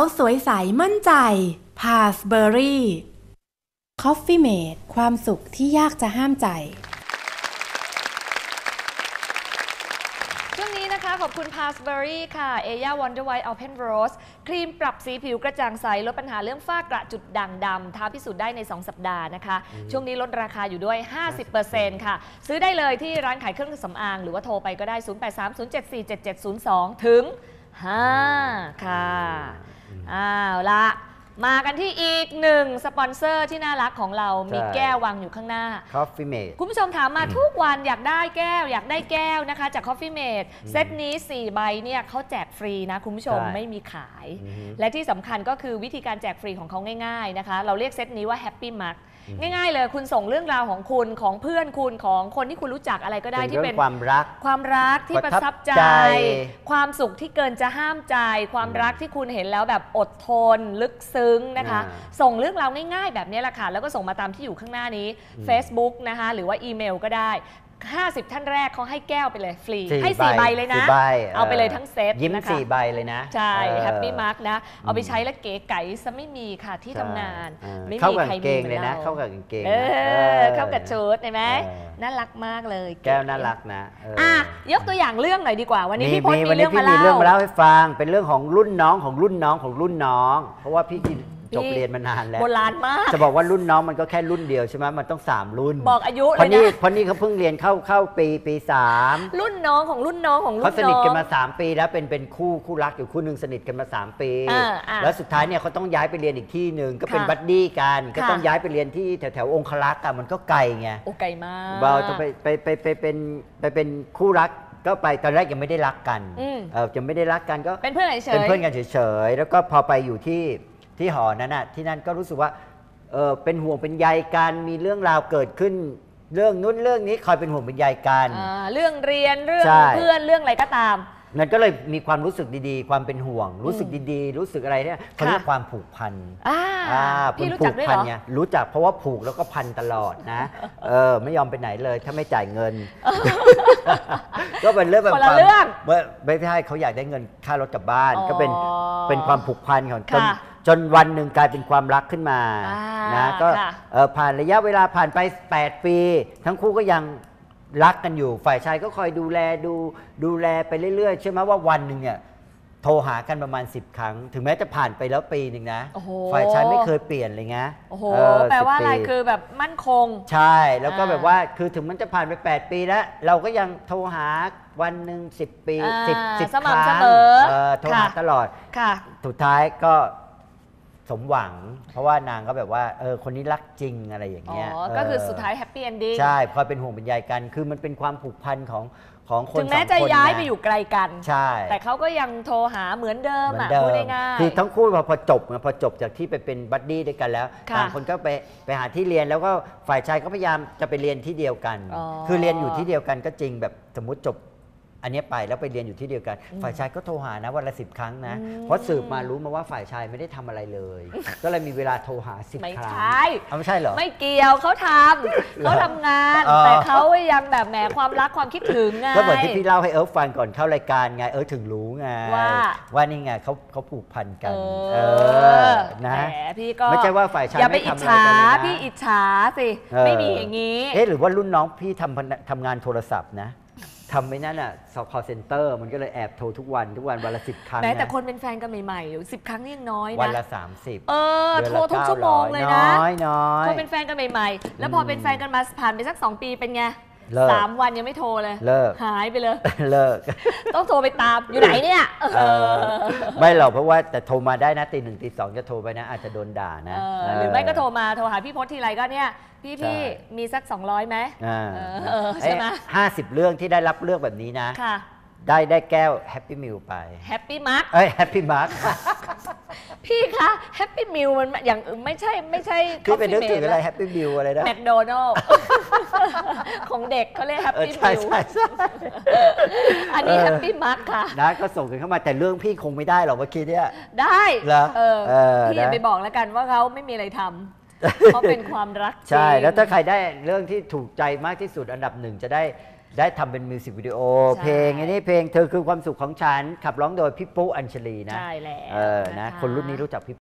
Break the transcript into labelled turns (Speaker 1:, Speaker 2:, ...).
Speaker 1: สวยใสมั่นใจพาสเบอรี่คอฟฟี่เมดความสุขที่ยากจะห้ามใจ
Speaker 2: ช่วงนี้นะคะขอบคุณ Passbury ค่ะ Aya Wonder White Open Rose ครีมปรับสีผิวกระจ่างใสลดปัญหาเรื่องฝ้ากระจุดด่างดำท้าพิสูจน์ได้ใน2 สัปดาห์นะคะช่วงนี้ลดราคาอยู่ด้วย 50% ค่ะซื้อได้เลยที่ร้านขายเครื่องสำอางหรือว่าโทรไปก็ได้ 0830747702 ถึง 5 ค่ะอ้าวละมากันที่อีกหนึ่งสปอนเซอร์ที่น่ารักของเรามีแก้ววางอยู่ข้างหน้า
Speaker 3: Coffee Mate
Speaker 2: คุณผู้ชมถามมาทุกวันอยากได้แก้วนะคะจาก Coffee Mate เซตนี้4ใบเนี่ยเขาแจกฟรีนะคุณผู้ชมไม่มีขายและที่สำคัญก็คือวิธีการแจกฟรีของเขาง่ายๆนะคะเราเรียกเซตนี้ว่า Happy Mug ง่ายๆเลยคุณส่งเรื่องราวของคุณของเพื่อนคุณของคนที่คุณรู้จักอะไรก็ได้ที่เป็น
Speaker 3: ความ
Speaker 2: รักที่ประทับใจความสุขที่เกินจะห้ามใจความรักที่คุณเห็นแล้วแบบอดทนลึกซึ้งนะคะส่งเรื่องราวง่ายๆแบบนี้แหละค่ะแล้วก็ส่งมาตามที่อยู่ข้างหน้านี้ Facebook นะคะหรือว่าอีเมลก็ได้50 ท่านแรกเขาให้แก้วไปเลยฟรีให้4 ใบเลยนะเอาไปเลยทั้งเซต
Speaker 3: ยิ้ม4 ใบเลยนะ
Speaker 2: ใช่แฮปปี้มาร์กนะเอาไปใช้แล้วเก๋ไก๋ซะไม่มีค่ะที่ทำงานไม่มีใครมีเลยนะ
Speaker 3: เข้ากับกางเกง
Speaker 2: เข้ากับชุดเห็นไหมน่ารักมากเลย
Speaker 3: แก้วน่ารักนะ
Speaker 2: ยกตัวอย่างเรื่องหน่อยดีกว่าวันนี้พี่พจน์มีเรื่องมา
Speaker 3: เล่าให้ฟังเป็นเรื่องของรุ่นน้องของรุ่นน้องของรุ่นน้องเพราะว่าพี่จบเรียนมานานแล้ว
Speaker 2: โบราณมาก
Speaker 3: จะบอกว่ารุ่นน้องมันก็แค่รุ่นเดียวใช่ไหมมันต้อง3 รุ่น
Speaker 2: บอกอายุเลยนะ
Speaker 3: เพราะนี่เขาเพิ่งเรียนเข้าปี 3
Speaker 2: รุ่นน้องของรุ่นน้องของรุ่นน้อง
Speaker 3: เขาสนิทกันมา3 ปีแล้วเป็นคู่รักอยู่คู่นึงสนิทกันมา3 ปีแล้วสุดท้ายเนี่ยเขาต้องย้ายไปเรียนอีกที่หนึ่งก็เป็นบัดดี้กันก็ต้องย้ายไปเรียนที่แถวองคลักษ์กันมันก็ไกลไง
Speaker 2: โอ้ไกลมาก
Speaker 3: เราจะไปเป็นคู่รักก็ไปตอนแรกยังไม่ได้รักกันยังไม่ได้รักกันก็
Speaker 2: เป็นเพื่อนเฉย
Speaker 3: เป็นเพื่อนกันเฉยๆแล้วก็พอไปอยู่ที่หอนั้นน่ะที่นั่นก็รู้สึกว่าเป็นห่วงเป็นใยกันมีเรื่องราวเกิดขึ้นเรื่องนู้นเรื่องนี้คอยเป็นห่วงเป็นใยกัน
Speaker 2: เรื่องเรียนเรื่องเพื่อนเรื่องอะไรก็ตาม
Speaker 3: นั่นก็เลยมีความรู้สึกดีๆความเป็นห่วงรู้สึกดีๆรู้สึกอะไรเนี่ยเขาเรียกความผูกพัน
Speaker 2: พี่รู้จักด้วยเหรอ
Speaker 3: รู้จักเพราะว่าผูกแล้วก็พันตลอดนะไม่ยอมไปไหนเลยถ้าไม่จ่ายเงินก็เป็นเรื่องแบบไม่ใช่เขาอยากได้เงินค่ารถกลับบ้านก็เป็นความผูกพันของจนวันหนึ่งกลายเป็นความรักขึ้นมานะก็ผ่านระยะเวลาผ่านไป8 ปีทั้งคู่ก็ยังรักกันอยู่ฝ่ายชายก็คอยดูแลไปเรื่อยๆใช่ไหมว่าวันหนึ่งเนี่ยโทรหากันประมาณ10 ครั้งถึงแม้จะผ่านไปแล้วปีหนึ่งนะฝ่ายชายไม่เคยเปลี่ยนเลยนะ
Speaker 2: โอ้โหแปลว่าอะไรคือแบบมั่นคง
Speaker 3: ใช่แล้วก็แบบว่าคือถึงมันจะผ่านไป8 ปีแล้วเราก็ยังโทรหาวันหนึ่ง10 ปี10 ครั้งโทรหาตลอดสุดท้ายก็สมหวังเพราะว่านางก็แบบว่าคนนี้รักจริงอะไรอย่างเงี้ย
Speaker 2: ก็คือสุดท้ายแฮปปี้เอนดิ้ง
Speaker 3: ใช่คอยเป็นห่วงเป็นใยกันคือมันเป็นความผูกพันของคน
Speaker 2: ถึงแม้จะย้ายไปอยู่ไกลกัน
Speaker 3: ใช่
Speaker 2: แต่เขาก็ยังโทรหาเหมือนเดิมพูดง่าย
Speaker 3: ๆคือทั้งคู่พอจบจากที่ไปเป็นบัดดี้ด้วยกันแล้วต่างคนก็ไปหาที่เรียนแล้วก็ฝ่ายชายก็พยายามจะไปเรียนที่เดียวกันคือเรียนอยู่ที่เดียวกันก็จริงแบบสมมุติจบอันนี้ไปแล้วไปเรียนอยู่ที่เดียวกันฝ่ายชายก็โทรหานะวันละ10 ครั้งนะเพราะสืบมารู้มาว่าฝ่ายชายไม่ได้ทำอะไรเลยก็เลยมีเวลาโทรหา10 ครั้งไม่ใช่เหรอ
Speaker 2: ไม่เกี่ยวเขาทำงานแต่เขายังแบบแหมความรักความคิดถึงไง
Speaker 3: ก็เหมือนที่พี่เล่าให้ฟังก่อนเข้ารายการไงถึงรู้ไงว่านี่ไงเขาผูกพันกันนะ
Speaker 2: พี่ก็
Speaker 3: ไม่ใช่ว่าฝ่ายชาย
Speaker 2: อย่าไปอิจฉาพี่อิจฉาสิไม่มีอย่างนี้
Speaker 3: หรือว่ารุ่นน้องพี่ทำงานโทรศัพท์นะทำไม่นั่นอ่ะcall center มันก็เลยแอบโทรทุกวันวันละ10 ครั้ง
Speaker 2: แต่คนเป็นแฟนกันใหม่ๆ10 ครั้งนี่ยังน้อยนะ
Speaker 3: วันละ30
Speaker 2: โทรทุกชั่วโมงเลยนะคนเป็นแฟนกันใหม่ๆแล้วพอเป็นแฟนกันมาผ่านไปสัก2 ปีเป็นไง3 วันยังไม่โทรเลยหายไปเลยต้องโทรไปตามอยู่ไหนเนี่ย
Speaker 3: ไม่หรอกเพราะว่าแต่โทรมาได้นะตี 1 ตี 2จะโทรไปนะอาจจะโดนด่านะ
Speaker 2: หรือไม่ก็โทรหาพี่พจน์ทีไรก็เนี่ยพี่มีสัก200ไหมใช่ไหม
Speaker 3: 50 เรื่องที่ได้รับเลือกแบบนี้นะได้แก้วแฮปปี้มิลไป
Speaker 2: แฮปปี้มาร์ก
Speaker 3: แฮปปี้มาร์ก
Speaker 2: พี่คะแฮปปี้มิลมันอย่างไม่ใช่
Speaker 3: พี่เป็นนึกถึงอะไรแฮปปี้มิลอะไรนะ
Speaker 2: แมคโดนัลล์ของเด็กเขาเรียกแฮปปี้มิลอันนี้แฮปปี้มาร์กค่ะ
Speaker 3: นะก็ส่งกันเข้ามาแต่เรื่องพี่คงไม่ได้หรอกเมื่อกี้เนี่ย
Speaker 2: ได้เหรอพี่อย่าไปบอกแล้วกันว่าเขาไม่มีอะไรทำเพราะเป็นความรักจริง
Speaker 3: ใช่แล้วถ้าใครได้เรื่องที่ถูกใจมากที่สุดอันดับหนึ่งจะได้ทำเป็นมิวสิกวิดีโอ
Speaker 2: ใช่
Speaker 3: เพลงอันนี้เพลงเธอคือความสุขของฉันขับร้องโดยพี่ปุ๊อัญชลีนะ
Speaker 2: ใช่แล้ว
Speaker 3: นะ
Speaker 2: ะะ
Speaker 3: คนรุ่นนี้รู้จักพี่